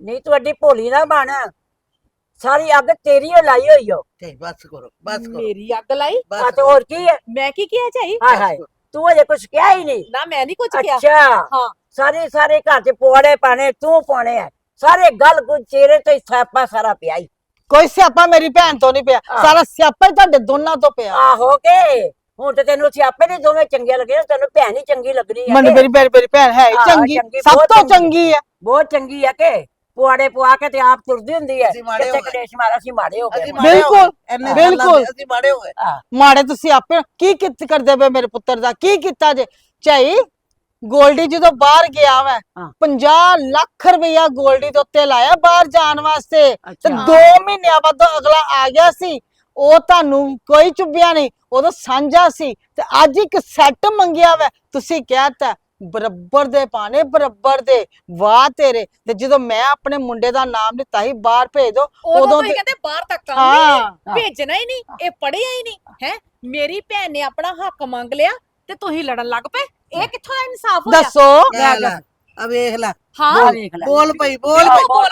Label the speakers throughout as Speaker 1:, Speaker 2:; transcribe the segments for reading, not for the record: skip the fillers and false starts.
Speaker 1: ਨਹੀਂ ਤੂੰ ਐਡੀ ਭੋਲੀ ਨਾ ਬਣ। ਸਾਰੀ ਅੱਗ ਤੇਰੀ ਓ ਲਾਈ ਹੋਈ ਓ।
Speaker 2: ਝਾਈ ਬਸ ਕਰੋ ਬਸ ਕਰੋ
Speaker 3: ਮੇਰੀ ਅੱਗ ਲਾਈ?
Speaker 1: ਆ ਤੇ ਹੋਰ ਕੀ ਹੈ?
Speaker 3: ਮੈਂ ਕੀ ਕਿਹਾ ਝਾਈ?
Speaker 1: ਹਾਏ ਹਾਏ, ਤੂੰ ਅਜੇ ਕੁਛ ਕਿਹਾ ਹੀ ਨਹੀਂ।
Speaker 3: ਨਾ ਮੈਂ ਨਹੀਂ ਕੁਝ ਕਿਹਾ।
Speaker 1: ਅੱਛਾ
Speaker 3: ਹਾਂ
Speaker 1: ਸਾਰੇ ਘਰ ਚ ਪਵਾੜੇ ਪਾਣੇ ਤੂੰ ਪਾਉਣੇ ਆ। ਸਾਰੇ ਗੱਲ ਗੁੱਲ ਚਿਹਰੇ ਤੋਂ ਹੀ ਸਿਆਪਾ ਸਾਰਾ ਪਿਆ ਹੀ।
Speaker 4: ਕੋਈ ਸਿਆਪਾ ਮੇਰੀ ਭੈਣ ਤੋਂ ਨਹੀਂ ਪਿਆ, ਸਾਰਾ ਸਿਆਪਾ ਹੀ ਤੁਹਾਡੇ ਦੋਨਾਂ ਤੋਂ ਪਿਆ।
Speaker 1: ਆਹੋ ਕੇ ਹੁਣ ਤੇ ਤੈਨੂੰ ਸਿਆਪੇ ਦੇ ਦੋਵੇਂ ਚੰਗੇ ਲੱਗੇ, ਤੈਨੂੰ ਭੈਣ ਹੀ ਚੰਗੀ ਲੱਗਣੀ ਹੈ।
Speaker 4: ਮੈਨੂੰ ਮੇਰੀ ਭੈਣ ਹੈ ਹੀ
Speaker 1: ਹਾਂ,
Speaker 4: ਚੰਗੀ,
Speaker 1: ਚੰਗੀ,
Speaker 4: ਸਭ
Speaker 1: ਬਹੁਤ
Speaker 4: ਤੋਂ
Speaker 1: ਚੰਗੀ।
Speaker 4: ਚੰਗੀ ਹੈ।
Speaker 1: ਬਹੁਤ ਚੰਗੀ ਹੈ ਕਿ ਪੁਆੜੇ ਪਵਾ ਕੇ ਤੇ ਆਪ ਤੁਰਦੀ ਹੁੰਦੀ ਹੈ।
Speaker 2: ਅਸੀਂ ਮਾੜੇ ਹੋ
Speaker 1: ਕਿਤੇ
Speaker 2: ਗਏ।
Speaker 1: ਕਲੇਸ਼ ਮਾਰਾ ਅਸੀਂ ਮਾੜੇ ਹੋ ਗਏ।
Speaker 4: ਬਿਲਕੁਲ,
Speaker 2: ਬਿਲਕੁਲ ਅਸੀਂ ਮਾੜੇ ਹੋ ਗਏ।
Speaker 4: ਮਾੜੇ ਤੁਸੀਂ ਆਪੇ ਕੀ ਕਰਦੇ ਪਏ ਮੇਰੇ ਪੁੱਤਰ ਦਾ? ਕੀ ਕੀਤਾ ਜੇ? ਝਾਈ ਗੋਲਡੀ ਜਦੋਂ ਬਾਹਰ ਗਿਆ ਵਾ 50 ਲੱਖ ਰੁਪਇਆ ਗੋਲਡੀ ਦੇ ਉੱਤੇ ਲਾਇਆ ਬਾਹਰ ਜਾਣ ਵਾਸਤੇ, ਤੇ 2 ਮਹੀਨਿਆਂ ਬਾਅਦ ਅਗਲਾ ਆ ਗਿਆ ਸੀ। ਉਹ ਤੁਹਾਨੂੰ ਕੋਈ ਚੁੱਭਿਆ ਨਹੀਂ, ਉਦੋਂ ਸਾਂਝਾ ਸੀ। ਤੇ ਅੱਜ ਇੱਕ ਸੈੱਟ ਮੰਗਿਆ ਵਾ, ਤੁਸੀਂ ਕਹਿਤਾ ਬਰਾਬਰ ਦੇ ਪਾਣੇ ਬਰਾਬਰ ਦੇ। ਵਾਹ ਤੇਰੇ। ਤੇ ਜਦੋਂ ਮੈਂ ਆਪਣੇ ਮੁੰਡੇ ਦਾ ਨਾਮ ਲਿੱਤਾ ਸੀ ਬਾਹਰ ਭੇਜ ਦੋ,
Speaker 3: ਉਦੋਂ ਤੁਸੀਂ ਕਹਿੰਦੇ ਬਾਹਰ ਤੱਕ ਕੰਮ ਹੀ ਨਹੀਂ, ਭੇਜਣਾ ਹੀ ਨਹੀਂ, ਇਹ ਪੜਿਆ ਹੀ ਨਹੀਂ ਹੈ। ਮੇਰੀ ਭੈਣ ਨੇ ਆਪਣਾ ਹੱਕ ਮੰਗ ਲਿਆ ਤੇ ਤੁਸੀਂ ਲੜਨ ਲੱਗ ਪਏ। ਇਹ ਕਿੱਥੋਂ ਦਾ ਇਨਸਾਫ ਹੋਇਆ?
Speaker 4: ਦੱਸੋ।
Speaker 2: ਆ ਵੇਖ ਲੈ,
Speaker 3: ਹਾਂ
Speaker 2: ਬੋਲ ਪਈ ਬੋਲ
Speaker 3: ਬਿਲਕੁਲ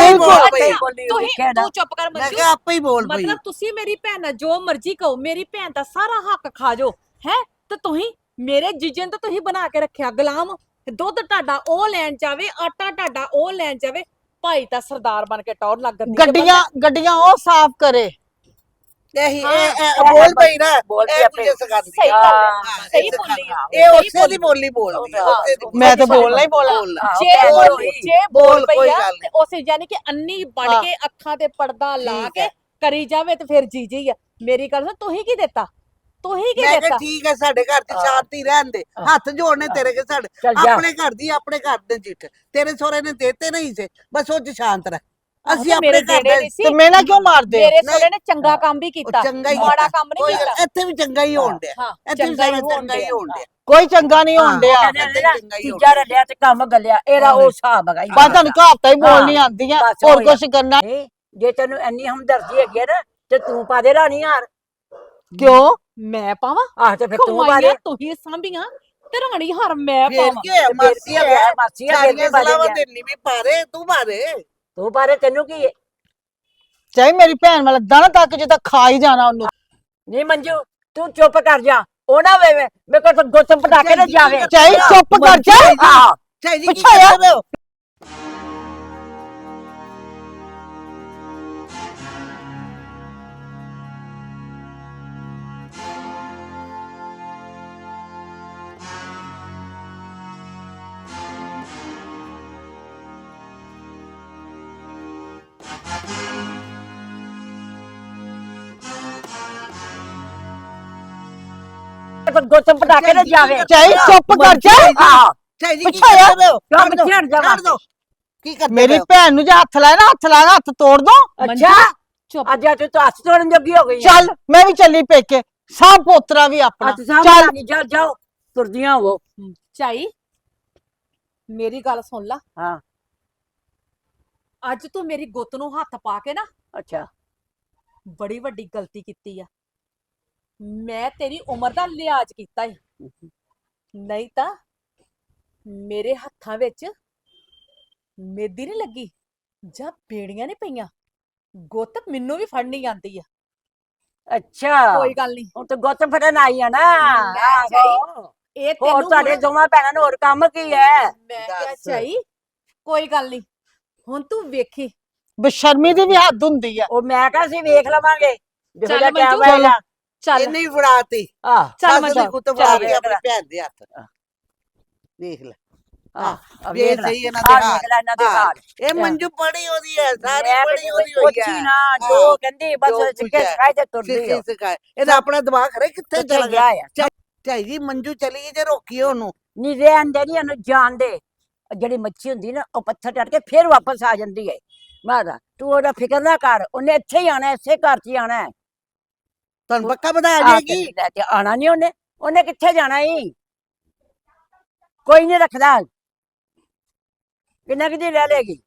Speaker 1: ਬਿਲਕੁਲ।
Speaker 3: ਤੂੰ ਚੁੱਪ ਕਰ
Speaker 2: ਮੈਂ
Speaker 3: ਮੰਜੂ।
Speaker 2: ਕਿਹਾ ਆਪੇ ਹੀ ਬੋਲ ਪਈ।
Speaker 3: ਮਤਲਬ ਤੁਸੀਂ ਮੇਰੀ ਭੈਣ ਨਾਲ ਜੋ ਮਰਜ਼ੀ ਕਹੋ, ਮੇਰੀ ਭੈਣ ਦਾ ਸਾਰਾ ਹੱਕ ਖਾ ਜਾਓ ਹੈ। ਤੇ ਤੁਸੀਂ ਮੇਰੇ ਜੀਜੇ ਨੂੰ ਤਾਂ ਤੁਸੀਂ ਬਣਾ ਕੇ ਰੱਖਿਆ ਗੁਲਾਮ। ਦੁੱਧ ਤੁਹਾਡਾ ਉਹ ਲੈਣ ਜਾਵੇ, ਆਟਾ ਤੁਹਾਡਾ ਉਹ ਲੈਣ ਜਾਵੇ। ਭਾਈ ਤਾਂ ਸਰਦਾਰ ਬਣ ਕੇ ਟੌਰ ਲੱਗ ਗਈ।
Speaker 4: ਗੱਡੀਆਂ ਉਹ ਸਾਫ਼ ਕਰੇ।
Speaker 2: ਇਹ ਬੋਲ ਪਈ ਨਾ, ਇਹ ਕੁਝ ਸਿਖਾਉਂਦੀ
Speaker 3: ਸਹੀ
Speaker 2: ਆ।
Speaker 3: ਗੱਲ ਹੈ, ਸਹੀ ਬੋਲੀ ਆ।
Speaker 2: ਇਹ ਉਸੇ ਦੀ ਬੋਲੀ ਬੋਲਦੀ ਆ, ਉਸੇ ਦੀ।
Speaker 4: ਮੈਂ ਤਾਂ ਬੋਲਣਾ ਹੀ ਬੋਲਣਾ।
Speaker 3: ਜੇ ਬੋਲ ਪਈ ਆ
Speaker 2: ਗੱਲ
Speaker 3: ਤੇ ਉਸੇ ਯਾਨੀ ਕਿ ਅੰਨੀ ਬਣ ਕੇ ਅੱਖਾਂ ਤੇ ਪਰਦਾ ਲਾ ਕੇ ਕਰੀ ਜਾਵੇ ਤੇ ਫਿਰ ਜੀ ਆ। ਮੇਰੀ ਗੱਲ ਸੁਣ, ਤੁਸੀਂ ਕੀ ਦਿੱਤਾ? ਤੁਸੀਂ ਕੀ
Speaker 2: ਮੈਂ
Speaker 3: ਦਿੱਤਾ?
Speaker 2: ਕਿਹਾ ਠੀਕ ਹੈ, ਸਾਡੇ ਘਰ ਚ ਸ਼ਾਂਤੀ ਰਹਿਣ ਦੇ। ਹੱਥ ਜੋੜਨੇ ਤੇਰੇ ਕੇ ਸਾਡੇ, ਆਪਣੇ ਘਰ ਦੀ ਆਪਣੇ ਘਰ ਦੇ ਜਿੱਠ। ਤੇਰੇ ਸਹੁਰੇ ਨੇ ਦੇਤੇ ਨਹੀਂ ਸੀ, ਬਸ ਉਹ ਚ ਸ਼ਾਂਤ ਰਹਿ। ਅਸੀਂ ਆਪਣੇ ਘਰ ਦੇ
Speaker 4: ਤੇ ਮੇਨਾ ਕਿਉਂ ਮਾਰਦੇ?
Speaker 3: ਮੇਰੇ ਸਹੁਰੇ ਨੇ ਚੰਗਾ ਕੰਮ ਵੀ ਕੀਤਾ, ਮਾੜਾ ਕੰਮ ਨਹੀਂ ਕੀਤਾ।
Speaker 2: ਇੱਥੇ ਵੀ ਚੰਗਾ ਹੀ ਹੋਣ ਡਿਆ, ਇੱਥੇ ਵੀ ਚੰਗਾ ਹੀ ਹੋਣ ਡਿਆ।
Speaker 4: ਕੋਈ ਚੰਗਾ ਨਹੀਂ ਹੋਣ ਡਿਆ।
Speaker 1: ਤੀਜਾ ਰੱਲਿਆ ਤੇ ਕੰਮ ਗੱਲਿਆ, ਇਹਦਾ ਉਹ ਹਿਸਾਬ ਹੈਗਾ।
Speaker 4: ਬਸ ਤੁਹਾਨੂੰ ਕਹਾਵਤਾਂ ਹੀ ਬੋਲਣੀ ਆਉਂਦੀਆਂ, ਹੋਰ ਕੁਝ ਕਰਨਾ।
Speaker 1: ਜੇ ਤੈਨੂੰ ਇੰਨੀ ਹਮਦਰਦੀ ਹੈਗੀ ਨਾ ਤੇ ਤੂੰ ਪਾ ਦੇ ਰਾਣੀ ਹਾਰ।
Speaker 4: ਕਿਉਂ
Speaker 3: ਮੈਂ ਪਾਵਾਂ?
Speaker 1: ਆਹ ਤੇ ਫਿਰ ਤੂੰ ਪਾ ਦੇ।
Speaker 3: ਤੁਸੀਂ ਸਾਂਭੀਆਂ ਤੇ ਰਾਣੀ ਹਾਰ ਮੈਂ
Speaker 2: ਫੇਰ
Speaker 3: ਪਾਵਾਂ?
Speaker 2: ਕੀ ਮਾਸੀਆ
Speaker 1: ਮਾਸੀਆ
Speaker 2: ਸਾਰੀਆਂ ਸਲਾਵਾਂ ਦੇਣੀ ਵੀ ਪਾਰੇ, ਤੂੰ ਪਾਰੇ।
Speaker 1: ਤੂੰ ਪਾਰੇ, ਤੈਨੂੰ ਕੀ ਹੈ?
Speaker 4: ਚਾਹੇ ਮੇਰੀ ਭੈਣ ਵਾਲਾ ਦਾਣਾ ਤੱਕ ਜੇ ਤਾਂ ਖਾ ਹੀ ਜਾਣਾ ਉਹਨੂੰ।
Speaker 1: ਨਹੀਂ ਮੰਜੂ, ਤੂੰ ਚੁੱਪ ਕਰ ਜਾ। ਉਹ ਨਾ ਵੇ ਮੇਰੇ ਕੋਲ ਗੁੱਤ ਪਟਾਕੇ ਨਾ ਜਾਵੇ।
Speaker 4: ਚਾਹੇ ਚੁੱਪ ਕਰ ਜਾ।
Speaker 2: ਚਾਹੀ ਜੀ ਕੀ ਕਰਦੇ ਹੋ?
Speaker 1: ਗੁੱਤ ਪਟਾਕੇ ਨਾ ਜਾਵੇ।
Speaker 4: ਚਾਹੇ ਚੁੱਪ ਕਰ ਜਾ।
Speaker 2: ਚਾਹੀ ਜੀ ਕੀ ਕਰਦੇ ਹੋ? ਛੱਡ ਦੋ। ਕੀ ਕਰਦੇ
Speaker 4: ਮੇਰੀ ਭੈਣ ਨੂੰ ਜੇ ਹੱਥ ਲਾਇਆ ਨਾ, ਹੱਥ ਲਾਇਆ, ਹੱਥ ਤੋੜ ਦੋ।
Speaker 1: ਅੱਛਾ ਅੱਜ ਤੂੰ ਹੱਥ ਤੋੜਨ ਜੋਗੀ ਹੋ ਗਈ।
Speaker 4: ਚੱਲ ਮੈਂ ਵੀ ਚੱਲੀ ਪੇਕੇ, ਸਾਹ ਪੋਤਰਾ ਵੀ ਆਪਣਾ।
Speaker 1: ਚੱਲ ਜਾਓ ਤੁਰਦੀਆਂ ਹੋ।
Speaker 3: ਚਾਈ ਮੇਰੀ ਗੱਲ ਸੁਣ ਲਾ।
Speaker 1: ਹਾਂ
Speaker 3: ਅੱਜ ਤੂੰ ਮੇਰੀ ਗੁੱਤ ਨੂੰ ਹੱਥ ਪਾ ਕੇ ਨਾ
Speaker 1: ਅੱਛਾ
Speaker 3: ਬੜੀ ਵੱਡੀ ਗਲਤੀ ਕੀਤੀ ਆ। ਮੈਂ ਤੇਰੀ ਉਮਰ ਦਾ ਲਿਹਾਜ਼ ਕੀਤਾ ਈ, ਨਹੀਂ ਤਾਂ ਮੇਰੇ ਹੱਥਾਂ ਵਿੱਚ ਮੇਦੀ ਨਹੀਂ ਲੱਗੀ ਜਾਂ ਬੇੜੀਆਂ ਨਹੀਂ ਪਈਆਂ। ਗੁੱਤ ਮੈਨੂੰ ਵੀ ਫੜਨੀ ਆਂਦੀ ਆ।
Speaker 1: ਅੱਛਾ
Speaker 3: ਕੋਈ ਗੱਲ ਨਹੀਂ,
Speaker 1: ਹੁਣ ਤੇ ਗੁੱਤ ਫੜਨ ਆਈ ਆ ਨਾ।
Speaker 3: ਇਹ
Speaker 1: ਹੋਰ
Speaker 3: ਤੈਨੂੰ
Speaker 1: ਤੁਹਾਡੇ ਦੋਵਾਂ ਭੈਣਾਂ ਨੂੰ ਹੋਰ ਕੰਮ ਕੀ ਹੈ?
Speaker 3: ਮੈਂ ਕਿਹਾ ਚਾਈ ਕੋਈ ਗੱਲ ਨਹੀਂ, ਹੁਣ ਤੂੰ ਵੇਖੀ।
Speaker 4: ਬੇਸ਼ਰਮੀ ਦੀ ਵੀ ਹੱਦ ਹੁੰਦੀ ਆ।
Speaker 1: ਉਹ ਮੈਂ ਕਹਾਂ ਸੀ ਵੇਖ ਲਵਾਂਗੇ।
Speaker 3: ਚੱਲ ਮੰਜੂ, ਚੱਲ
Speaker 2: ਇਹਨੇ ਹੀ ਫੜਾਤੀ।
Speaker 3: ਚੱਲ
Speaker 2: ਮੰਜੂ ਕੁੱਤ ਫੜਾ ਕੇ ਆਪਣੀ ਭੈਣ ਦੇ ਹੱਥ। ਦੇਖ ਲੈ ਵੇਖ ਸਹੀ ਇਹਨਾਂ ਦੇ ਹਾਲ। ਇਹ ਮੰਜੂ ਪੜੀ ਉਹਦੀ ਹੈ, ਸਾਰੀ ਪੜੀ ਉਹਦੀ ਹੋਈ ਹੈ
Speaker 1: ਨਾ। ਜੋ ਕਹਿੰਦੀ ਬਸ ਸਿੱਕੇ ਸਿਖਾਏ ਤੇ ਤੁਰਦੀ ਹੋ।
Speaker 2: ਇਹਦਾ ਆਪਣਾ ਦਿਮਾਗ ਖਰੇ ਕਿੱਥੇ ਚਲਾ ਗਿਆ। ਝਾਈ ਜੀ ਮੰਜੂ ਚਲੀ ਗਈ ਜੇ ਰੋਕੀ ਉਹਨੂੰ।
Speaker 1: ਨਹੀਂ ਰਹਿਣ ਦੇ, ਨਹੀਂ ਉਹਨੂੰ ਜਾਣ ਦੇ। ਜਿਹੜੀ ਮੱਛੀ ਹੁੰਦੀ ਨਾ ਉਹ ਪੱਥਰ ਟੱਟ ਕੇ ਫਿਰ ਵਾਪਸ ਆ ਜਾਂਦੀ ਹੈ। ਮਾਦਾ ਤੂੰ ਉਹਦਾ ਫਿਕਰ ਨਾ ਕਰ, ਉਹਨੇ ਇੱਥੇ ਹੀ ਆਣਾ, ਇਸੇ ਘਰ 'ਚ ਹੀ ਆਣਾ।
Speaker 2: ਤੁਹਾਨੂੰ ਪੱਕਾ ਪਤਾ ਆ ਜਾਏਗੀ।
Speaker 1: ਲੈ ਕੇ ਆਣਾ ਨਹੀਂ ਉਹਨੇ ਕਿੱਥੇ ਜਾਣਾ ਹੀ। ਕੋਈ ਨਹੀਂ ਰੱਖਦਾ। ਕਿੰਨਾ ਕਿਤੇ ਲੈ ਲੇਗੀ।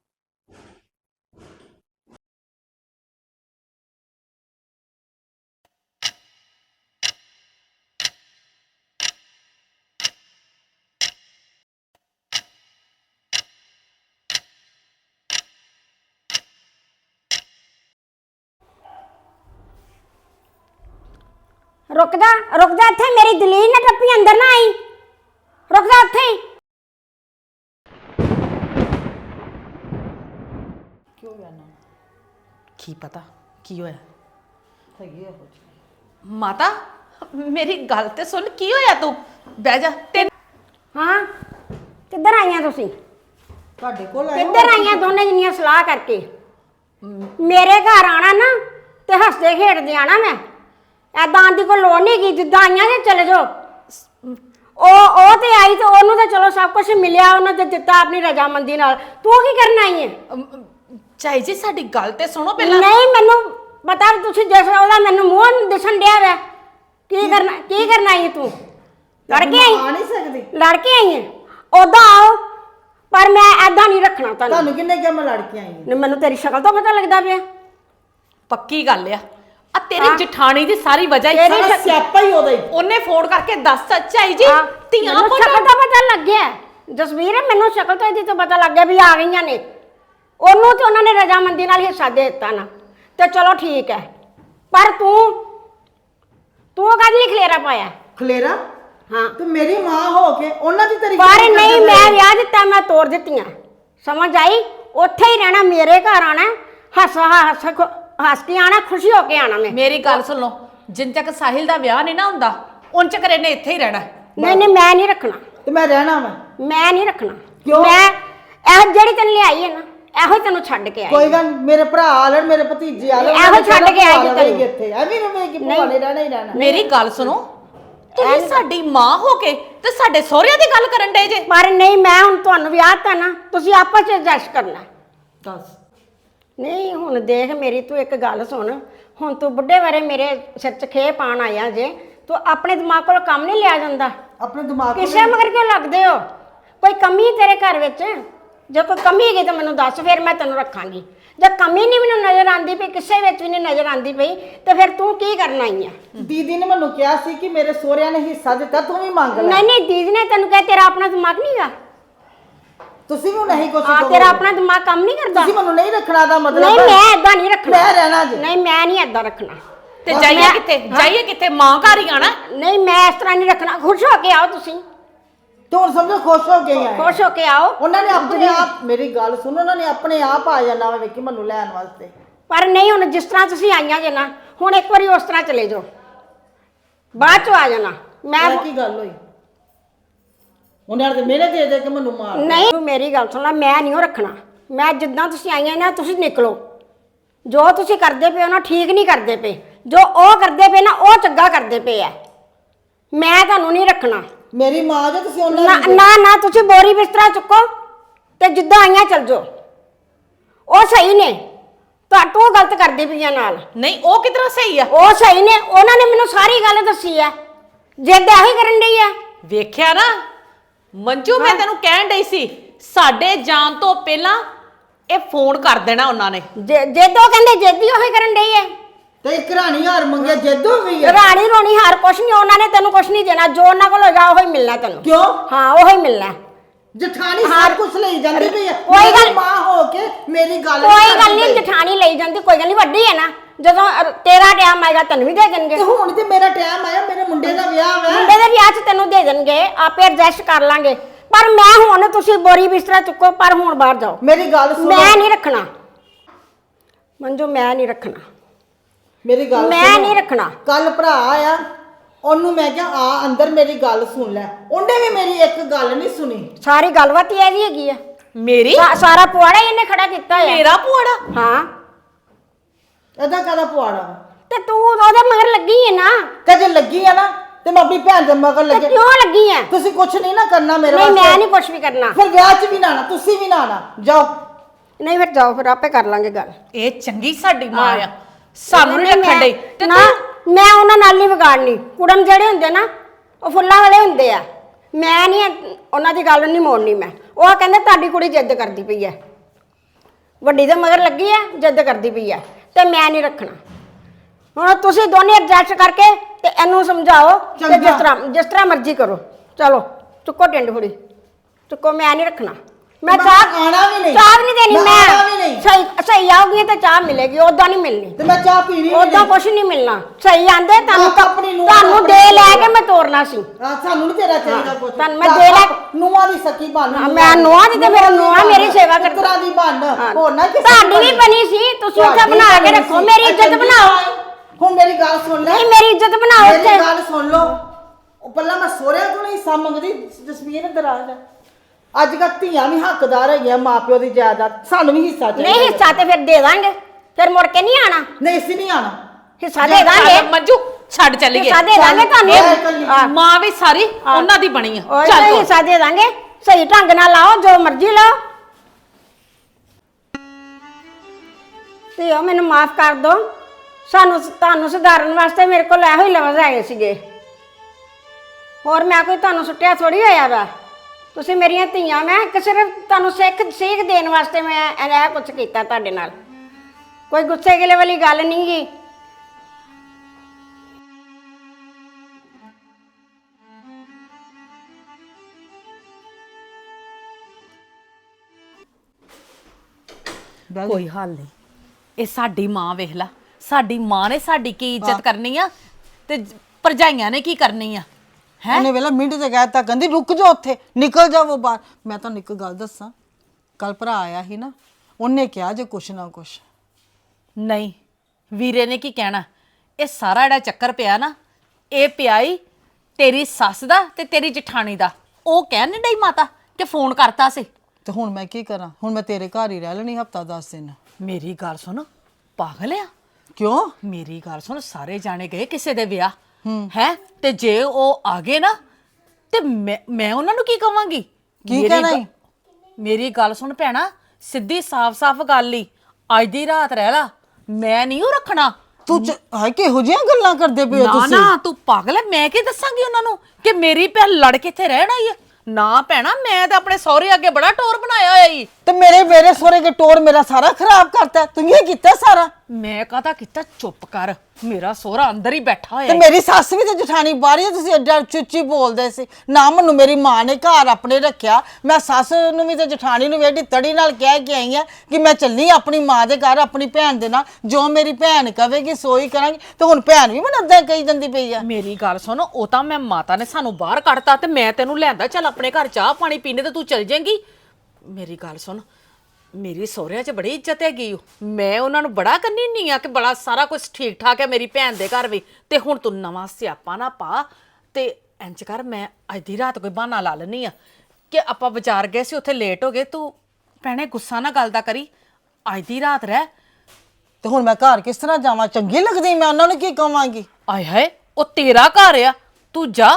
Speaker 5: ਰੁਕ ਜਾ ਇੱਥੇ, ਮੇਰੀ ਦਲੀਲ ਨਾ ਟੱਪੀ, ਅੰਦਰ ਨਾ ਆਈ, ਰੁਕ ਜਾ ਉੱਥੇ ਹੀ।
Speaker 3: ਕੀ ਪਤਾ ਕੀ ਹੋਇਆ ਮਾਤਾ, ਮੇਰੀ ਗੱਲ ਤੇ ਸੁਣ, ਕੀ ਹੋਇਆ? ਤੂੰ ਬਹਿ ਜਾ। ਤੇ
Speaker 5: ਹਾਂ, ਕਿੱਧਰ ਆਈਆਂ ਤੁਸੀਂ?
Speaker 4: ਤੁਹਾਡੇ ਕੋਲ
Speaker 5: ਕਿੱਧਰ ਆਈਆਂ ਦੋਨੇ ਜਣੀਆਂ ਸਲਾਹ ਕਰਕੇ? ਮੇਰੇ ਘਰ ਆਣਾ ਨਾ ਤੇ ਹੱਸਦੇ ਖੇਡਦੇ ਆਣਾ ਮੈਂ, ਐਦਾਂ ਆਂਦੀ ਕੋਈ ਲੋੜ ਨਹੀਂ ਗਈ, ਜਿੱਦਾਂ ਆਈਆਂ ਤੇ ਚਲੇ ਜਾਓ। ਉਹ ਤੇ ਆਈ ਤੇ ਉਹਨੂੰ ਤਾਂ ਚਲੋ ਸਭ ਕੁਝ ਮਿਲਿਆ, ਉਹਨੇ ਤੇ ਦਿੱਤਾ ਆਪਣੀ ਰਜਾਮੰਦੀ ਨਾਲ। ਤੂੰ ਕੀ ਕਰਨ ਆਈ ਹੈ?
Speaker 3: ਚਾਈ ਜੀ ਸਾਡੀ ਗੱਲ ਤੇ ਸੁਣੋ ਪਹਿਲਾਂ।
Speaker 5: ਨਹੀਂ, ਮੈਨੂੰ ਪਤਾ ਤੁਸੀਂ ਜਿਸ ਉਹਦਾ ਮੈਨੂੰ ਮੂੰਹ ਦਿਸਣ ਡਿਆ ਵੈ। ਕੀ ਕਰਨਾ ਆਈ ਤੂੰ? ਲੜ ਕੇ ਆਈ?
Speaker 4: ਆ ਨਹੀਂ ਸਕਦੀ।
Speaker 5: ਲੜ ਕੇ ਆਈ ਹੈ? ਉਦਾਂ ਆਓ, ਪਰ ਮੈਂ ਐਦਾਂ ਨਹੀਂ ਰੱਖਣਾ ਤੁਹਾਨੂੰ।
Speaker 4: ਤੁਹਾਨੂੰ ਕਿੰਨੇ ਕਿਹਾ ਮੈਂ ਲੜ ਕੇ ਆਈ ਹਾਂ?
Speaker 5: ਮੈਨੂੰ ਤੇਰੀ ਸ਼ਕਲ ਤੋਂ ਪਤਾ ਲੱਗਦਾ ਪਿਆ।
Speaker 3: ਪੱਕੀ ਗੱਲ ਆ ਤੇਰੀ ਜਠਾਣੀ ਦੀ ਸਾਰੀ ਵਜ੍ਹਾ ਹੀ
Speaker 4: ਸਾਰਾ ਸਿਆਪਾ ਹੀ ਉਹਦਾ ਹੀ।
Speaker 3: ਉਹਨੇ ਫੋਨ ਕਰਕੇ ਦੱਸ ਚਾਈ ਜੀ ਧੀਆਂ
Speaker 5: ਮੈਨੂੰ ਸ਼ਕਲ ਤੋਂ ਪਤਾ ਲੱਗ ਗਿਆ ਜਸਵੀਰ, ਮੈਨੂੰ ਸ਼ਕਲ ਤੋਂ ਇਹਦੀ ਤੋਂ ਪਤਾ ਲੱਗ ਗਿਆ ਵੀ ਆ ਗਈਆਂ ਨੇ। ਉਹਨੂੰ ਤੇ ਉਹਨਾਂ ਨੇ ਰਜਾਮੰਦੀ ਨਾਲ ਹਿੱਸਾ ਦੇ ਦਿੱਤਾ ਨਾ, ਤੇ ਚਲੋ ਠੀਕ ਹੈ। ਪਰ ਤੂੰ ਕਾਹਦੇ ਲਈ ਖਲੇਰਾ ਪਾਇਆ?
Speaker 4: ਖਲੇਰਾ?
Speaker 5: ਹਾਂ,
Speaker 4: ਤੂੰ ਮੇਰੀ ਮਾਂ ਹੋ ਕੇ ਉਹਨਾਂ ਦੀ ਤਾਰੀਫ
Speaker 5: ਪਰ ਨਹੀਂ, ਮੈਂ ਵਿਆਹ ਦਿੱਤਾ, ਮੈਂ ਤੋੜ ਦਿੱਤੀਆਂ, ਸਮਝ ਆਈ? ਉੱਥੇ ਹੀ ਰਹਿਣਾ, ਮੇਰੇ ਘਰ ਆਣਾ, ਹੱਸ ਕੇ ਆਣਾ, ਖੁਸ਼ੀ ਹੋ ਕੇ ਆਣਾ। ਮੈਂ
Speaker 3: ਮੇਰੀ ਗੱਲ ਸੁਣ ਲਓ, ਜਿੰਨ ਤੱਕ ਸਾਹਿਲ ਦਾ ਵਿਆਹ ਨਹੀਂ ਨਾ ਹੁੰਦਾ ਉਨ ਚੱਕਰ ਇਹਨੇ ਇੱਥੇ ਹੀ ਰਹਿਣਾ।
Speaker 5: ਨਹੀਂ, ਮੈਂ ਨਹੀਂ ਰੱਖਣਾ।
Speaker 4: ਤੇ ਮੈਂ ਰਹਿਣਾ
Speaker 5: ਮੈਂ ਨਹੀਂ ਰੱਖਣਾ।
Speaker 4: ਕਿਉਂ?
Speaker 5: ਮੈਂ ਇਹ ਜਿਹੜੀ ਤੈਨੂੰ ਲਿਆਈ ਹੈ ਨਾ, ਇਹੋ ਹੀ ਤੈਨੂੰ ਛੱਡ ਕੇ ਆਈ।
Speaker 4: ਕੋਈ ਗੱਲ, ਮੇਰੇ ਭਰਾ ਆਲਣ, ਮੇਰੇ ਭਤੀਜੇ ਆਲਣ,
Speaker 5: ਇਹੋ ਛੱਡ ਕੇ ਆਈ ਜੀ ਤੈਨੂੰ।
Speaker 4: ਇੱਥੇ ਐਵੇਂ ਰਵੇਂ ਕਿ ਭੂਆ ਨੇ ਰਹਿਣਾ ਹੀ ਰਹਿਣਾ।
Speaker 3: ਮੇਰੀ ਗੱਲ ਸੁਣੋ, ਤੁਸੀਂ ਸਾਡੀ ਮਾਂ ਹੋ ਕੇ ਤੇ ਸਾਡੇ ਸਹੁਰਿਆਂ ਦੀ ਗੱਲ ਕਰਨ ਡਏ ਜੇ।
Speaker 5: ਪਰ ਨਹੀਂ, ਮੈਂ ਹੁਣ ਤੁਹਾਨੂੰ ਵਿਆਹ ਤਾ ਨਾ, ਤੁਸੀਂ ਆਪਸ ਚ ਐਡਜਸਟ ਕਰਨਾ।
Speaker 4: ਦੱਸ।
Speaker 5: ਨਹੀਂ ਹੁਣ ਦੇਖ, ਮੇਰੀ ਤੂੰ ਇੱਕ ਗੱਲ ਸੁਣ, ਹੁਣ ਤੂੰ ਬੁੱਢੇ ਬਾਰੇ ਮੇਰੇ ਸਿਰ 'ਚ ਖੇ ਪਾਣ ਆਇਆ ਜੇ। ਤੂੰ ਆਪਣੇ ਦਿਮਾਗ ਕੋਲ ਕੰਮ ਨਹੀਂ ਲਿਆ ਜਾਂਦਾ।
Speaker 4: ਆਪਣੇ ਦਿਮਾਗ
Speaker 5: ਕਿਸੇ ਮਗਰ ਕਿਉਂ ਲੱਗਦੇ ਹੋ? ਕੋਈ ਕਮੀ ਤੇਰੇ ਘਰ ਵਿੱਚ? ਜੇ ਕੋਈ ਕਮੀ ਹੈਗੀ ਤਾਂ ਮੈਨੂੰ ਦੱਸ, ਫਿਰ ਮੈਂ ਤੈਨੂੰ ਰੱਖਾਂਗੀ। ਜੇ ਕਮੀ ਨਹੀਂ ਮੈਨੂੰ ਨਜ਼ਰ ਆਂਦੀ ਪਈ, ਕਿਸੇ ਵਿੱਚ ਵੀ ਨਹੀਂ ਨਜ਼ਰ ਆਂਦੀ ਪਈ, ਤੇ ਫਿਰ ਤੂੰ ਕੀ ਕਰਨ ਆਈ ਆ?
Speaker 4: ਦੀਦੀ ਨੇ ਮੈਨੂੰ ਕਿਹਾ ਸੀ ਕਿ ਮੇਰੇ ਸਹੁਰਿਆਂ ਨੇ ਹਿੱਸਾ ਦਿੱਤਾ, ਤੂੰ ਵੀ ਮੰਗ ਲੈ।
Speaker 5: ਨਹੀਂ, ਦੀਦੀ ਨੇ ਤੈਨੂੰ ਕਿਹਾ ਤੇਰਾ ਆਪਣਾ ਦਿਮਾਗ ਨਹੀਂਗਾ?
Speaker 4: ਤੁਸੀਂ ਵੀ ਨਹੀਂ ਕੁਛ
Speaker 5: ਹਾਂ, ਤੇਰਾ ਆਪਣਾ ਦਿਮਾਗ ਕੰਮ ਨਹੀਂ ਕਰਦਾ?
Speaker 4: ਤੁਸੀਂ ਮੈਨੂੰ ਨਹੀਂ ਰੱਖਣਾ ਦਾ ਮਤਲਬ?
Speaker 5: ਨਹੀਂ, ਮੈਂ ਏਦਾਂ ਨਹੀਂ ਰੱਖਣਾ।
Speaker 4: ਮੈਂ ਰਹਿਣਾ ਜੀ।
Speaker 5: ਨਹੀਂ, ਮੈਂ ਨਹੀਂ ਏਦਾਂ ਰੱਖਣਾ।
Speaker 3: ਤੇ ਜਾਈਏ ਕਿੱਥੇ? ਜਾਈਏ ਕਿੱਥੇ? ਮਾਂ ਘਰ ਹੀ ਆਣਾ।
Speaker 5: ਨਹੀਂ, ਮੈਂ ਇਸ ਤਰ੍ਹਾਂ ਨਹੀਂ ਰੱਖਣਾ। ਖੁਸ਼ ਹੋ ਕੇ ਆਓ ਤੁਸੀਂ।
Speaker 4: ਤੂੰ ਹੁਣ ਸਮਝੋ ਖੁਸ਼ ਹੋ ਗਈ ਆ।
Speaker 5: ਖੁਸ਼ ਹੋ ਕੇ ਆਓ।
Speaker 4: ਉਹਨਾਂ ਨੇ ਆਪਣੇ ਆਪ, ਮੇਰੀ ਗੱਲ ਸੁਣ, ਉਹਨਾਂ ਨੇ ਆਪਣੇ ਆਪ ਆ ਜਾਣਾ ਵਾ ਵੇਖੀ ਮੈਨੂੰ ਲੈਣ ਵਾਸਤੇ।
Speaker 5: ਪਰ ਨਹੀਂ, ਹੁਣ ਜਿਸ ਤਰ੍ਹਾਂ ਤੁਸੀਂ ਆਈਆਂ ਜੇ ਨਾ, ਹੁਣ ਇੱਕ ਵਾਰੀ ਉਸ ਤਰ੍ਹਾਂ ਚਲੇ ਜਾਓ, ਬਾਅਦ ਚ ਆ ਜਾਣਾ। ਮੈਂ
Speaker 4: ਕੀ ਗੱਲ ਹੋਈ? ਉਹਨਾਂ ਨੇ ਮਿਹਨਤ ਦੇ ਕੇ ਮੈਨੂੰ ਮਾਰ।
Speaker 5: ਨਹੀਂ, ਤੂੰ ਮੇਰੀ ਗੱਲ ਸੁਣ ਲੈ, ਮੈਂ ਨਹੀਂ ਉਹ ਰੱਖਣਾ। ਮੈਂ ਜਿੱਦਾਂ ਤੁਸੀਂ ਆਈਆਂ ਨਾ, ਤੁਸੀਂ ਨਿਕਲੋ। ਜੋ ਤੁਸੀਂ ਕਰਦੇ ਪਏ ਹੋ ਨਾ, ਠੀਕ ਨਹੀਂ ਕਰਦੇ ਪਏ। ਜੋ ਉਹ ਕਰਦੇ ਪਏ ਨਾ, ਉਹ ਚੰਗਾ ਕਰਦੇ ਪਏ ਆ। ਮੈਂ ਤੁਹਾਨੂੰ ਨਹੀਂ ਰੱਖਣਾ।
Speaker 4: ਮੇਰੀ ਮਾਂ ਜੇ ਤੁਸੀਂ ਉਹਨਾਂ ਦੀ
Speaker 5: ਨਾ, ਤੁਸੀਂ ਬੋਰੀ ਬਿਸਤਰਾ ਚੁੱਕੋ ਤੇ ਜਿੱਦਾਂ ਆਈਆਂ ਚੱਲ ਜਾਓ। ਉਹ ਸਹੀ ਨੇ, ਤੂੰ ਗਲਤ ਕਰਦੀ ਪਈਆਂ ਨਾਲ।
Speaker 3: ਨਹੀਂ, ਉਹ ਕਿਤਨਾ ਸਹੀ ਆ?
Speaker 5: ਉਹ ਸਹੀ ਨੇ, ਉਹਨਾਂ ਨੇ ਮੈਨੂੰ ਸਾਰੀ ਗੱਲ ਦੱਸੀ ਆ। ਜਿੱਦ ਇਹੀ ਕਰਨ ਡਈ ਆ।
Speaker 3: ਵੇਖਿਆ ਨਾ ਮੰਜੂ, ਮੈਂ ਤੈਨੂੰ ਕਹਿਣ ਡਈ ਸੀ ਸਾਡੇ ਜਾਣ ਤੋਂ ਪਹਿਲਾਂ ਇਹ ਫੋਨ ਕਰ ਦੇਣਾ ਉਹਨਾਂ ਨੇ।
Speaker 5: ਜਿੱਦ ਉਹ ਕਹਿੰਦੇ ਜਿੱਦ ਹੀ ਉਹੀ ਕਰਨ ਡਈ ਆ।
Speaker 4: ਤੇ ਇੱਕ ਰਾਣੀ ਹਾਰ ਮੰਗਿਆ, ਜਿੱਦ ਹੋ ਗਈ ਹੈ।
Speaker 5: ਰਾਣੀ ਰੋਣੀ ਹਾਰ ਕੁਛ ਨਹੀਂ, ਉਹਨਾਂ ਨੇ ਤੈਨੂੰ ਕੁਛ ਨਹੀਂ ਦੇਣਾ। ਜੋ ਉਹਨਾਂ ਕੋਲ ਹੋਗਾ ਉਹੀ ਮਿਲਣਾ ਤੈਨੂੰ।
Speaker 4: ਕਿਉਂ?
Speaker 5: ਹਾਂ, ਉਹੀ ਮਿਲਣਾ।
Speaker 4: ਜਠਾਣੀ ਸਭ ਕੁਝ ਲਈ ਜਾਂਦੀ ਪਈ ਹੈ।
Speaker 5: ਕੋਈ ਗੱਲ
Speaker 4: ਮਾਂ ਹੋ ਕੇ ਮੇਰੀ ਗੱਲ
Speaker 5: ਕੋਈ ਗੱਲ ਨਹੀਂ, ਜਠਾਣੀ ਲਈ ਜਾਂਦੀ, ਕੋਈ ਗੱਲ ਨਹੀਂ, ਵੱਡੀ ਹੈ ਨਾ। ਜਦੋਂ ਤੇਰਾ ਟਾਈਮ ਆਏਗਾ ਤੈਨੂੰ ਵੀ ਦੇ ਦੇਣਗੇ।
Speaker 4: ਤੇ ਹੁਣ ਤੇ ਮੇਰਾ ਟਾਈਮ ਆਇਆ, ਮੇਰੇ ਮੁੰਡੇ ਦਾ ਵਿਆਹ ਵਾ।
Speaker 5: ਮੁੰਡੇ ਦੇ ਵਿਆਹ 'ਚ ਤੈਨੂੰ ਦੇ ਦੇਣਗੇ, ਆਪੇ ਐਡਜਸਟ ਕਰ ਲਾਂਗੇ। ਪਰ ਮੈਂ ਹੁਣ, ਤੁਸੀਂ ਬੋਰੀ ਬਿਸਤਰਾ ਚੁੱਕੋ, ਪਰ ਹੁਣ ਬਾਹਰ ਜਾਓ।
Speaker 4: ਮੇਰੀ ਗੱਲ ਸੁਣੋ।
Speaker 5: ਮੈਂ ਨਹੀਂ ਰੱਖਣਾ ਮੰਜੂ, ਮੈਂ ਨਹੀਂ ਰੱਖਣਾ।
Speaker 4: ਮੇਰੀ ਗੱਲ
Speaker 5: ਮੈਂ ਨਹੀਂ ਰੱਖਣਾ।
Speaker 4: ਕੱਲ ਭਰਾ ਆਇਆ, ਉਹਨੂੰ ਮੈਂ ਕਿਹਾ ਆ ਅੰਦਰ ਮੇਰੀ ਗੱਲ ਸੁਣ ਲੈ। ਉਹਨੇ ਵੀ ਮੇਰੀ ਇੱਕ ਗੱਲ ਨਹੀਂ ਸੁਣੀ।
Speaker 5: ਸਾਰੀ ਗੱਲਬਾਤ ਹੀ ਇਹਦੀ ਹੈਗੀ ਆ।
Speaker 3: ਮੇਰੀ
Speaker 5: ਸਾਰਾ ਪੁਆੜਾ ਹੀ ਇਹਨੇ ਖੜਾ ਕੀਤਾ ਹੈ।
Speaker 3: ਮੇਰਾ ਪੁਆੜਾ?
Speaker 5: ਹਾਂ,
Speaker 4: ਇਹਦਾ ਕਾਹਦਾ ਪੁਆੜਾ?
Speaker 5: ਤੇ ਤੂੰ ਉਹਦੇ ਮਗਰ ਲੱਗੀ ਹੈ ਨਾ।
Speaker 4: ਕਦੇ ਲੱਗੀ ਆ ਨਾ, ਤੇ ਮੈਂ ਆਪਣੀ ਭੈਣ ਦੇ ਮਗਰ
Speaker 5: ਤੇ
Speaker 4: ਲੱਗੇ।
Speaker 5: ਕਿਉਂ ਲੱਗੀ ਹੈ?
Speaker 4: ਤੁਸੀਂ ਕੁਝ ਨਹੀਂ ਨਾ ਕਰਨਾ ਮੇਰੇ
Speaker 5: ਨਹੀਂ,
Speaker 4: ਵਾਸਤੇ।
Speaker 5: ਮੈਂ ਨਹੀਂ ਕੁਝ ਵੀ ਕਰਨਾ।
Speaker 4: ਫਿਰ ਵਿਆਹ 'ਚ ਵੀ ਨਾ ਆਣਾ, ਤੁਸੀਂ ਵੀ ਨਾ ਆਣਾ, ਜਾਓ।
Speaker 5: ਨਹੀਂ, ਫਿਰ ਜਾਓ, ਫਿਰ ਆਪੇ ਕਰ ਲਾਂਗੇ ਗੱਲ।
Speaker 3: ਇਹ ਚੰਗੀ ਸਾਡੀ ਮਾਂ ਆ, ਸਾਨੂੰ ਨਹੀਂ ਰੱਖਣ ਡਈ। ਤੇ
Speaker 5: ਨਾ, ਮੈਂ ਉਹਨਾਂ ਨਾਲ ਨਹੀਂ ਵਿਗਾੜਨੀ। ਕੁੜਮ ਜਿਹੜੇ ਹੁੰਦੇ ਨਾ, ਉਹ ਫੁੱਲਾਂ ਵਾਲੇ ਹੁੰਦੇ ਆ। ਮੈਂ ਨਹੀਂ ਉਹਨਾਂ ਦੀ ਗੱਲ ਨਹੀਂ ਮੋੜਨੀ। ਮੈਂ ਉਹ ਕਹਿੰਦੇ ਤੁਹਾਡੀ ਕੁੜੀ ਜਿੱਦ ਕਰਦੀ ਪਈ ਹੈ, ਵੱਡੀ ਦੇ ਮਗਰ ਲੱਗੀ ਹੈ, ਜਿੱਦ ਕਰਦੀ ਪਈ ਹੈ, ਤੇ ਮੈਂ ਨਹੀਂ ਰੱਖਣਾ। ਹੁਣ ਤੁਸੀਂ ਦੋਨੇ ਐਡਜਸਟ ਕਰਕੇ ਤੇ ਇਹਨੂੰ ਸਮਝਾਓ ਤੇ ਜਿਸ ਤਰ੍ਹਾਂ ਮਰਜ਼ੀ ਕਰੋ। ਚਲੋ ਚੁੱਕੋ ਟਿੰਡ ਫੁੜੀ, ਚੁੱਕੋ। ਮੈਂ ਨਹੀਂ ਰੱਖਣਾ। ਮੈਂ ਚਾਹ
Speaker 4: ਆਣਾ ਵੀ ਨਹੀਂ,
Speaker 5: ਚਾਹ ਵੀ ਨਹੀਂ ਦੇਣੀ।
Speaker 4: ਆਣਾ ਵੀ ਨਹੀਂ।
Speaker 5: ਸਹੀ ਸਹੀ ਸਹੀ ਆਉਗੀ ਤੇ ਚਾਹ ਮਿਲੇਗੀ, ਉਦਾਂ ਨਹੀਂ ਮਿਲਣੀ।
Speaker 4: ਤੇ ਮੈਂ ਚਾਹ ਪੀਣੀ
Speaker 5: ਉਦਾਂ ਕੁਛ ਨਹੀਂ ਮਿਲਣਾ। ਸਹੀ ਆਂਦੇ ਤੁਹਾਨੂੰ
Speaker 4: ਆਪਣੀ ਨੂੰਹ
Speaker 5: ਤੁਹਾਨੂੰ ਦੇ ਲੈ ਕੇ ਮੈਂ ਤੋਰਨਾ ਸੀ।
Speaker 4: ਸਾਨੂੰ ਨਹੀਂ ਤੇਰਾ ਚਾਹੀਦਾ ਕੁਝ।
Speaker 5: ਤੁਹਾਨੂੰ ਮੈਂ ਦੇ ਲੈ
Speaker 4: ਨੂੰਹਾਂ ਦੀ ਸਕੀ ਬਣ।
Speaker 5: ਮੈਂ ਨੂੰਹਾਂ ਦੀ ਤੇ ਫਿਰ ਨੂੰਹਾਂ ਮੇਰੀ ਸੇਵਾ ਕਰ
Speaker 4: ਪੁੱਤਰਾਂ ਦੀ ਬਣ, ਹੋਰ ਨਾ ਕਿਸੇ
Speaker 5: ਤੁਹਾਡੀ ਵੀ ਬਣੀ ਸੀ, ਤੁਸੀਂ ਉੱਥੇ ਬਣਾ ਕੇ ਰੱਖੋ, ਮੇਰੀ ਇੱਜ਼ਤ ਬਣਾਓ।
Speaker 4: ਹੁਣ ਮੇਰੀ ਗੱਲ ਸੁਣ ਲੈ।
Speaker 5: ਨਹੀਂ ਮੇਰੀ ਇੱਜ਼ਤ ਬਣਾਓ ਉੱਥੇ।
Speaker 4: ਮੇਰੀ ਗੱਲ ਸੁਣ ਲਓ, ਉਹ ਪਹਿਲਾਂ ਮੈਂ ਸੋਹਰਿਆਂ ਤੋਂ ਨਹੀਂ ਹਿੱਸਾ ਮੰਗਦੀ। ਜਸਮੀਨ ਦਰਾਜ ਅੱਜ ਕੱਲ੍ਹ ਧੀਆਂ ਵੀ ਹੱਕਦਾਰ ਹੈਗੀਆਂ ਮਾਪਿਓ ਦੀ ਜਾਇਦਾਦ, ਸਾਨੂੰ ਵੀ ਹਿੱਸਾ ਚਾਹੀਦਾ।
Speaker 5: ਨਹੀਂ ਹਿੱਸਾ ਤੇ ਫਿਰ ਦੇ ਦਾਂਗੇ, ਫਿਰ ਮੁੜ ਕੇ ਨਹੀਂ ਆਣਾ।
Speaker 4: ਨਹੀਂ ਅਸੀਂ ਨਹੀਂ ਆਣਾ,
Speaker 5: ਹਿੱਸਾ ਦੇ ਦਾਂਗੇ।
Speaker 3: ਮੰਜੂ ਛੱਡ ਚੱਲੀਏ।
Speaker 5: ਹਿੱਸਾ ਦੇ ਦਾਂਗੇ ਤੁਹਾਨੂੰ।
Speaker 3: ਮਾਂ ਵੀ ਸਾਰੀ ਉਹਨਾਂ ਦੀ ਬਣੀ ਆ।
Speaker 5: ਚੱਲ
Speaker 3: ਚੱਲ ਤੁਰ।
Speaker 5: ਹਿੱਸਾ ਦੇ ਦਾਂਗੇ, ਸਹੀ ਢੰਗ ਨਾਲ ਲਾਓ, ਜੋ ਮਰਜ਼ੀ ਲਾਓ। ਤੇ ਉਹ ਮੈਨੂੰ ਮਾਫ ਕਰ ਦੋ। ਤੁਹਾਨੂੰ ਸੁਧਾਰਨ ਵਾਸਤੇ ਮੇਰੇ ਕੋਲ ਇਹੋ ਹੀ ਲਫ਼ਜ਼ ਹੈਗੇ ਸੀਗੇ, ਹੋਰ ਮੈਂ ਕੋਈ ਤੁਹਾਨੂੰ ਸੁੱਟਿਆ ਥੋੜੀ ਹੋਇਆ ਵਾ। ਤੁਸੀਂ ਮੇਰੀਆਂ ਧੀਆਂ, ਮੈਂ ਸਿਰਫ ਤੁਹਾਨੂੰ ਸਿੱਖ ਦੇਣ ਵਾਸਤੇ ਮੈਂ ਇਹ ਕੁਝ ਕੀਤਾ ਤੁਹਾਡੇ ਨਾਲ। ਕੋਈ ਗੁੱਸੇ ਗਿਲੇ ਵਾਲੀ ਗੱਲ ਨਹੀਂ ਗੀ।
Speaker 3: ਕੋਈ ਹਾਲ ਨਹੀਂ, ਇਹ ਸਾਡੀ ਮਾਂ ਵੇਖ ਲਾ, ਸਾਡੀ ਮਾਂ ਨੇ ਸਾਡੀ ਕੀ ਇੱਜ਼ਤ ਕਰਨੀ ਆ ਤੇ ਭਰਜਾਈਆਂ ਨੇ ਕੀ ਕਰਨੀ ਆ। ਹੈ
Speaker 4: ਉਹਨੇ ਵੇਲਾ ਮਿੰਟ ਤੇ ਕਹਿਤਾ, ਕਹਿੰਦੀ ਰੁਕ ਜਾ ਉੱਥੇ, ਨਿਕਲ ਜਾਵੋ ਬਾਹਰ। ਮੈਂ ਤੁਹਾਨੂੰ ਇੱਕ ਗੱਲ ਦੱਸਾਂ, ਕੱਲ ਭਰਾ ਆਇਆ ਸੀ ਨਾ, ਉਹਨੇ ਕਿਹਾ ਜੇ ਕੁਛ ਨਾ ਕੁਛ।
Speaker 3: ਨਹੀਂ ਵੀਰੇ ਨੇ ਕੀ ਕਹਿਣਾ, ਇਹ ਸਾਰਾ ਜਿਹੜਾ ਚੱਕਰ ਪਿਆ ਨਾ, ਇਹ ਪਿਆਈ ਤੇਰੀ ਸੱਸ ਦਾ ਤੇ ਤੇਰੀ ਜਠਾਣੀ ਦਾ। ਉਹ ਕਹਿਣ ਨਹੀਂ ਡਈ ਮਾਤਾ ਕਿ ਫੋਨ ਕਰਤਾ ਸੀ।
Speaker 4: ਤੇ ਹੁਣ ਮੈਂ ਕੀ ਕਰਾਂ? ਹੁਣ ਮੈਂ ਤੇਰੇ ਘਰ ਹੀ ਰਹਿ ਲੈਣੀ ਹਫਤਾ 10 ਦਿਨ।
Speaker 3: ਮੇਰੀ ਗੱਲ ਸੁਣ, ਪਾਗਲ ਆ?
Speaker 4: ਕਿਉਂ?
Speaker 3: ਮੇਰੀ ਗੱਲ ਸੁਣ, ਸਾਰੇ ਜਾਣੇ ਗਏ ਕਿਸੇ ਦੇ ਵਿਆਹ ਹੈ, ਤੇ ਜੇ ਉਹ ਆ ਗਏ ਨਾ ਤੇ ਮੈਂ ਉਹਨਾਂ ਨੂੰ ਕੀ ਕਵਾਂਗੀ?
Speaker 4: ਕੀ ਕਹਿਣਾ ਈ?
Speaker 3: ਮੇਰੀ ਗੱਲ ਸੁਣ ਭੈਣਾ, ਸਿੱਧੀ ਸਾਫ਼-ਸਾਫ਼ ਗੱਲ ਈ, ਅੱਜ ਦੀ ਰਾਤ ਰਹਿ ਲਾ, ਮੈਂ ਨਹੀਂ ਉਹ ਰੱਖਣਾ।
Speaker 4: ਤੂੰ ਹਾਏ ਕਿਹੋ ਜਿਹੀਆਂ ਗੱਲਾਂ ਕਰਦੇ ਪਏ ਹੋ
Speaker 3: ਨਾ
Speaker 4: ਤੁਸੀਂ?
Speaker 3: ਨਾ ਤੂੰ ਪਾਗਲ ਹੈ, ਮੈਂ ਕੀ ਦੱਸਾਂਗੀ ਉਹਨਾਂ ਨੂੰ ਕਿ ਮੇਰੀ ਭੈਣ ਲੜ ਕੇ ਇੱਥੇ ਰਹਿਣ ਆਈ ਹੈ? ਨਾ ਭੈਣਾ, ਮੈਂ ਤਾਂ ਆਪਣੇ ਸਹੁਰੇ ਅੱਗੇ ਬੜਾ ਟੋਰ ਬਣਾਇਆ ਹੋਇਆ ਈ।
Speaker 4: ਤੇ ਮੇਰੇ ਸਹੁਰੇ ਕੇ ਟੋਰ ਮੇਰਾ ਸਾਰਾ ਖਰਾਬ ਕਰਤਾ, ਤੂੰ ਇਹ ਕੀਤਾ ਸਾਰਾ।
Speaker 3: ਮੈਂ ਕਾਹਦਾ ਕੀਤਾ? ਚੁੱਪ ਕਰ, ਮੇਰਾ ਸਹੁਰਾ ਅੰਦਰ ਹੀ ਬੈਠਾ ਹੋਇਆ
Speaker 4: ਤੇ
Speaker 3: ਈ।
Speaker 4: ਮੇਰੀ ਸੱਸ ਵੀ ਤੇ ਜਠਾਣੀ ਬਾਹਰ ਹੀ, ਤੁਸੀਂ ਐਡਾ ਉੱਚੀ ਬੋਲਦੇ ਸੀ ਨਾ। ਮੈਨੂੰ ਮੇਰੀ ਮਾਂ ਨੇ ਘਰ ਆਪਣੇ ਰੱਖਿਆ, ਮੈਂ ਸੱਸ ਨੂੰ ਵੀ ਤੇ ਜਠਾਣੀ ਨੂੰ ਵੀ ਐਡੀ ਤੜੀ ਨਾਲ ਕਹਿ ਕੇ ਆਈ ਆ ਕਿ ਮੈਂ ਚੱਲੀ ਆਪਣੀ ਮਾਂ ਦੇ ਘਰ, ਆਪਣੀ ਭੈਣ ਦੇ ਨਾਲ, ਜੋ ਮੇਰੀ ਭੈਣ ਕਵੇਗੀ ਸੋਈ ਕਰਾਂਗੀ। ਤੇ ਹੁਣ ਭੈਣ ਵੀ ਮੈਨੂੰ ਅੱਧਾ ਕਹੀ ਜਾਂਦੀ ਪਈ ਆ।
Speaker 3: ਮੇਰੀ ਗੱਲ ਸੁਣ, ਉਹ ਤਾਂ ਮੈਂ ਮਾਤਾ ਨੇ ਸਾਨੂੰ ਬਾਹਰ ਕੱਢਤਾ ਤੇ ਮੈਂ ਤੈਨੂੰ ਲਿਆਂਦਾ, ਚੱਲ ਆਪਣੇ ਘਰ ਚਾਹ ਪਾਣੀ ਪੀਣੇ ਤੇ ਤੂੰ ਚਲ ਜਾਏਂਗੀ। ਮੇਰੀ ਗੱਲ ਸੁਣ, ਮੇਰੀ ਸਹੁਰਿਆਂ 'ਚ ਬੜੀ ਇੱਜ਼ਤ ਹੈਗੀ, ਮੈਂ ਉਹਨਾਂ ਨੂੰ ਬੜਾ ਕੰਨੀ ਨਹੀਂ ਆ ਕਿ ਬੜਾ ਸਾਰਾ ਕੁਝ ਠੀਕ ਠਾਕ ਹੈ ਮੇਰੀ ਭੈਣ ਦੇ ਘਰ ਵੀ। ਤੇ ਹੁਣ ਤੂੰ ਨਵਾਂ ਸਿਆਪਾ ਨਾ ਪਾ ਤੇ ਇੰਜ ਕਰ, ਮੈਂ ਅੱਜ ਦੀ ਰਾਤ ਕੋਈ ਬਹਾਨਾ ਲਾ ਲੈਣੀ ਆ ਕਿ ਆਪਾਂ ਬਾਜ਼ਾਰ ਗਏ ਸੀ, ਉੱਥੇ ਲੇਟ ਹੋ ਗਏ। ਤੂੰ ਭੈਣੇ ਗੁੱਸਾ ਨਾ ਗੱਲ ਦਾ ਕਰੀ, ਅੱਜ ਦੀ ਰਾਤ ਰਹਿ।
Speaker 4: ਤੇ ਹੁਣ ਮੈਂ ਘਰ ਕਿਸ ਤਰ੍ਹਾਂ ਜਾਵਾਂ? ਚੰਗੀ ਲੱਗਦੀ? ਮੈਂ ਉਹਨਾਂ ਨੂੰ ਕੀ ਕਵਾਂਗੀ?
Speaker 3: ਆਏ ਹਾਏ, ਉਹ ਤੇਰਾ ਘਰ ਆ, ਤੂੰ ਜਾ।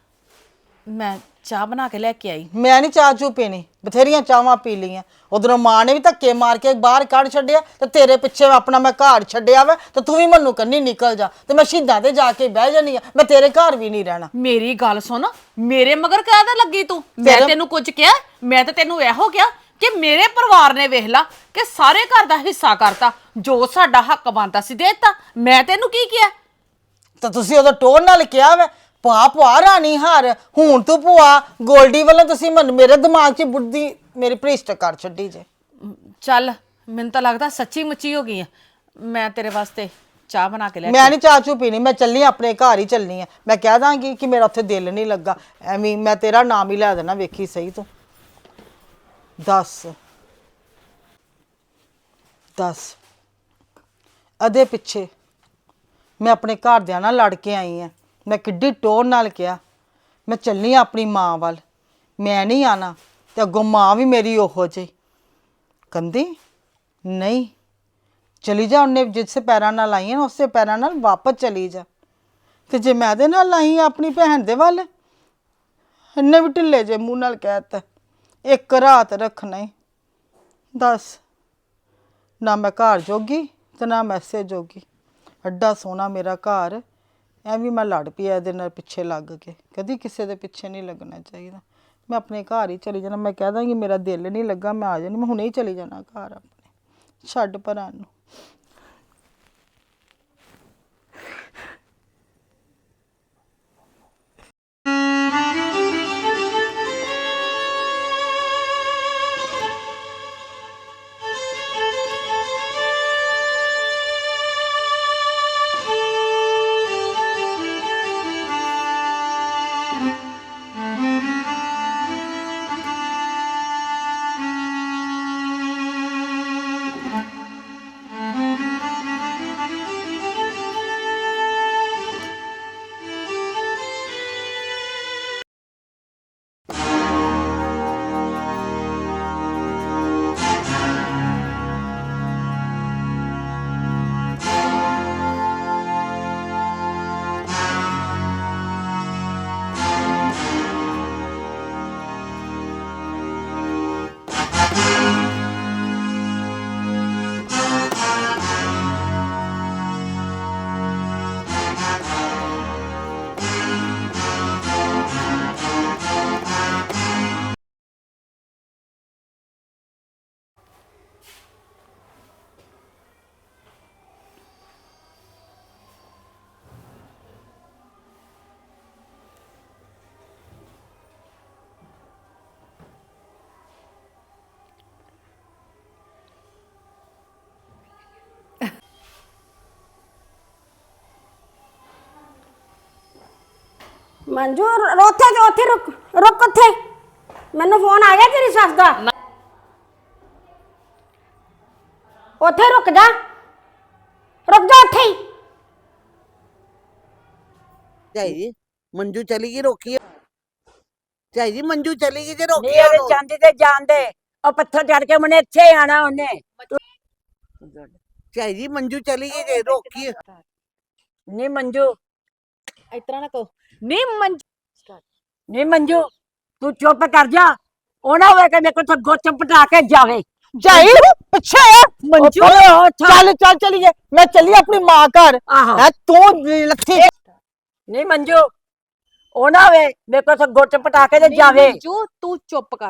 Speaker 3: ਮੈਂ ਚਾਹ ਬਣਾ ਕੇ ਲੈ ਕੇ ਆਈ।
Speaker 4: ਮੈਂ ਨਹੀਂ ਚਾਹ ਚੂ ਪੀਣੀ, ਬਥੇਰੀਆਂ ਚਾਹਾਂ ਪੀ ਲਈਆਂ। ਉਧਰੋਂ ਮਾਂ ਨੇ ਵੀ ਧੱਕੇ ਮਾਰ ਕੇ ਬਾਹਰ ਕੱਢ ਛੱਡਿਆ, ਤੇ ਤੇਰੇ ਪਿੱਛੇ ਆਪਣਾ ਮੈਂ ਘਰ ਛੱਡਿਆ ਵਾ, ਤੇ ਤੂੰ ਵੀ ਮੈਨੂੰ ਕੰਨੀ ਨਿਕਲ ਜਾ। ਤੇ ਮੈਂ ਸ਼ਹੀਦਾਂ ਤੇ ਜਾ ਕੇ ਬਹਿ ਜਾਨੀ ਆ, ਮੈਂ ਤੇਰੇ ਘਰ ਵੀ ਨਹੀਂ ਰਹਿਣਾ।
Speaker 3: ਮੇਰੀ ਗੱਲ ਸੁਣ, ਮੇਰੇ ਮਗਰ ਕਾਹਦਾ ਲੱਗੀ ਤੂੰ? ਮੈਂ ਤੈਨੂੰ ਕੁਝ ਕਿਹਾ? ਮੈਂ ਤਾਂ ਤੈਨੂੰ ਇਹੋ ਕਿਹਾ ਕਿ ਮੇਰੇ ਪਰਿਵਾਰ ਨੇ ਵੇਖ ਲਾ ਕਿ ਸਾਰੇ ਘਰ ਦਾ ਹਿੱਸਾ ਕਰਤਾ, ਜੋ ਸਾਡਾ ਹੱਕ ਬਣਦਾ ਸੀ ਦੇਤਾ। ਮੈਂ ਤੈਨੂੰ ਕੀ ਕਿਹਾ?
Speaker 4: ਤਾਂ ਤੁਸੀਂ ਉਦੋਂ ਟੋਰ ਨਾਲ ਕਿਹਾ ਵਾ ਭੂਆ ਰਾਣੀ ਹਾਰ, ਹੁਣ ਤੂੰ ਭੂਆ ਗੋਲਡੀ ਵੱਲੋਂ ਤੁਸੀਂ ਮੇਰੇ ਦਿਮਾਗ 'ਚ ਬੁੱਧੀ ਮੇਰੀ ਭ੍ਰਿਸ਼ਟ ਕਰ ਛੱਡੀ ਜੇ।
Speaker 3: ਚੱਲ, ਮੈਨੂੰ ਤਾਂ ਲੱਗਦਾ ਸੱਚੀ ਮੁੱਚੀ ਹੋ ਗਈ ਆ। ਮੈਂ ਤੇਰੇ ਵਾਸਤੇ ਚਾਹ ਬਣਾ ਕੇ ਲੈ
Speaker 4: ਮੈਂ ਨਹੀਂ ਚਾਹ ਚੂ ਪੀਣੀ, ਮੈਂ ਚੱਲੀ ਆਪਣੇ ਘਰ ਹੀ ਚੱਲਣੀ ਆ। ਮੈਂ ਕਹਿ ਦਾਂਗੀ ਕਿ ਮੇਰਾ ਉੱਥੇ ਦਿਲ ਨਹੀਂ ਲੱਗਾ, ਐਵੇਂ ਮੈਂ ਤੇਰਾ ਨਾਮ ਹੀ ਲੈ ਦੇਣਾ, ਵੇਖੀ ਸਹੀ ਤੂੰ। ਦੱਸ ਅਦੇ ਪਿੱਛੇ ਮੈਂ ਆਪਣੇ ਘਰਦਿਆਂ ਨਾਲ ਲੜ ਕੇ ਆਈ ਆ। ਮੈਂ ਕਿੱਡੀ ਟੋਰ ਨਾਲ ਕਿਹਾ ਮੈਂ ਚੱਲਣੀ ਆਪਣੀ ਮਾਂ ਵੱਲ, ਮੈਂ ਨਹੀਂ ਆਣਾ। ਤੇ ਅੱਗੋਂ ਮਾਂ ਵੀ ਮੇਰੀ ਉਹੋ ਜਿਹੀ ਕਹਿੰਦੀ ਨਹੀਂ, ਚਲੀ ਜਾ। ਉਹਨੇ ਜਿਸ ਪੈਰਾਂ ਨਾਲ ਆਈ ਨਾ ਉਸੇ ਪੈਰਾਂ ਨਾਲ ਵਾਪਸ ਚਲੀ ਜਾ। ਤੇ ਜੇ ਮੈਂ ਇਹਦੇ ਨਾਲ ਆਈ ਆਪਣੀ ਭੈਣ ਦੇ ਵੱਲ, ਇਹਨੇ ਵੀ ਢਿੱਲੇ ਜੇ ਮੂੰਹ ਨਾਲ ਕਹਿਤਾ ਇੱਕ ਰਾਤ ਰੱਖਣਾ ਹੀ। ਦੱਸ, ਨਾ ਮੈਂ ਘਰ ਜੋਗੀ ਤੇ ਨਾ ਮੈਸੇ ਜੋਗੀ। ਐਡਾ ਸੋਹਣਾ ਮੇਰਾ ਘਰ, ਐਵੇਂ ਮੈਂ ਲੜ ਪਈ ਇਹਦੇ ਨਾਲ ਪਿੱਛੇ ਲੱਗ ਕੇ। ਕਦੀ ਕਿਸੇ ਦੇ ਪਿੱਛੇ ਨਹੀਂ ਲੱਗਣਾ ਚਾਹੀਦਾ। ਮੈਂ ਆਪਣੇ ਘਰ ਹੀ ਚਲੀ ਜਾਣਾ। ਮੈਂ ਕਹਿ ਦਾਂਗੀ ਮੇਰਾ ਦਿਲ ਨਹੀਂ ਲੱਗਾ, ਮੈਂ ਆ ਜਾਣੀ, ਮੈਂ ਹੁਣੇ ਹੀ ਚਲੀ ਜਾਣਾ ਘਰ ਆਪਣੇ, ਛੱਡ ਭਰਾ ਨੂੰ।
Speaker 5: ਮੰਜੂ ਉੱਥੇ ਰੁਕ ਉੱਥੇ। ਮੈਨੂੰ ਫੋਨ ਆ ਗਿਆ ਤੇਰੀ ਸੱਸ ਦਾ। ਉੱਥੇ ਰੁਕ ਜਾ ਉੱਥੇ ਹੀ।
Speaker 2: ਝਾਈ ਜੀ ਮੰਜੂ ਚਲੀ ਗਈ, ਰੋਕੀ ਝਾਈ ਜੀ, ਮੰਜੂ ਚਲੀ ਗਈ ਜੇ
Speaker 1: ਨਹੀਂ
Speaker 2: ਰੋਕੀ
Speaker 1: ਉਹਦੇ ਜਾਂਦੀ ਤੇ ਜਾਂਦੇ, ਉਹ ਪੱਥਰ ਚੜ ਕੇ ਮਨੇ ਇੱਥੇ ਆਣਾ ਉਹਨੇ।
Speaker 2: ਝਾਈ ਜੀ ਮੰਜੂ ਚਲੀ ਗਈ ਜੇ ਰੋਕੀ।
Speaker 1: ਨਹੀਂ ਮੰਜੂ,
Speaker 3: ਇਸ ਤਰ੍ਹਾਂ ਨਾ ਕਹੋ। ਨਹੀਂ ਮੰਜੂ,
Speaker 1: ਨਹੀਂ ਮੰਜੂ, ਤੂੰ ਚੁੱਪ ਕਰ ਜਾ। ਉਹ ਨਾ ਹੋਵੇ ਕਿ ਮੇਰੇ ਕੋਲ ਤਾਂ ਗੁੱਚ ਪਟਾ ਕੇ ਜਾਵੇ।
Speaker 4: ਝਾਈ ਪਿੱਛੇ ਆ ਮੰਜੂ। ਚੱਲ ਚੱਲ ਚਲੀਏ, ਮੈਂ ਚੱਲੀ ਆਪਣੀ ਮਾਂ ਘਰ।
Speaker 1: ਆਹੋ
Speaker 4: ਤੂੰ ਲੱਥੀ
Speaker 1: ਨਹੀਂ ਮੰਜੂ, ਉਹ ਨਾ ਹੋਵੇ ਮੇਰੇ ਕੋਲ ਤਾਂ ਗੁੱਚ ਪਟਾ ਕੇ ਤੇ ਜਾਵੇ।
Speaker 3: ਮੰਜੂ ਤੂੰ ਚੁੱਪ ਕਰ।